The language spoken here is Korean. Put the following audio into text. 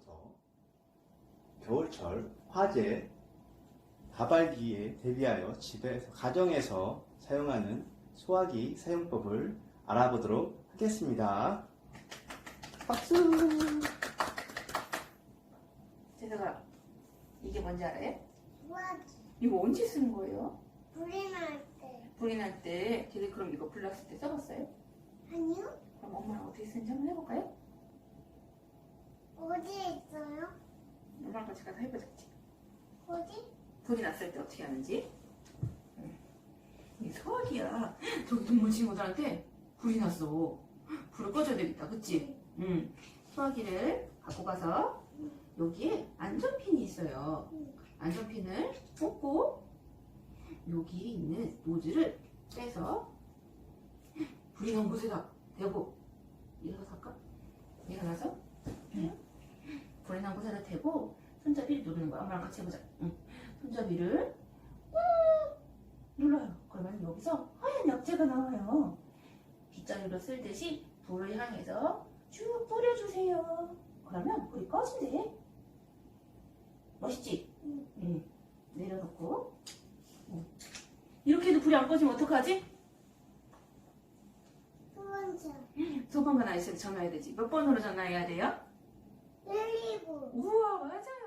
오늘부터 겨울철 화재 가발기에 대비하여 집에서 가정에서 사용하는 소화기 사용법을 알아보도록 하겠습니다. 박수! 재석아, 이게 뭔지 알아요? 소화기. 이거 언제 쓰는 거예요? 불이 날 때. 불이 날 때. 걔들 그럼 이거 불 났을 때 써봤어요? 아니요? 그럼 엄마랑 어떻게 쓰는지 한번 해볼까요? 어디에 있어요? 엄마랑 같이 가서 해보자. 어디? 불이 났을 때 어떻게 하는지. 이 소화기야. 저기 동물 친구들한테 불이 났어. 불을 꺼줘야 되겠다. 그치? 응. 소화기를 갖고 가서 여기에 안전핀이 있어요. 안전핀을 뽑고 여기에 있는 노즐을 빼서 불이 난 곳에다 대고 일어나서 할까? 일어나서 불이 난 곳에다 대고 손잡이를 누르는 거야. 엄마랑 같이 해보자. 응. 손잡이를 꾹 눌러요. 그러면 여기서 하얀 약재가 나와요. 빗자루로 쓸듯이 불을 향해서 쭉 뿌려주세요. 그러면 불이 꺼진대. 멋있지? 응. 내려놓고. 이렇게 해도 불이 안 꺼지면 어떡하지? 소방차. 소방관 아저씨한테 전화해야 되지. 몇 번으로 전화해야 돼요? 119. 우와, 맞아요.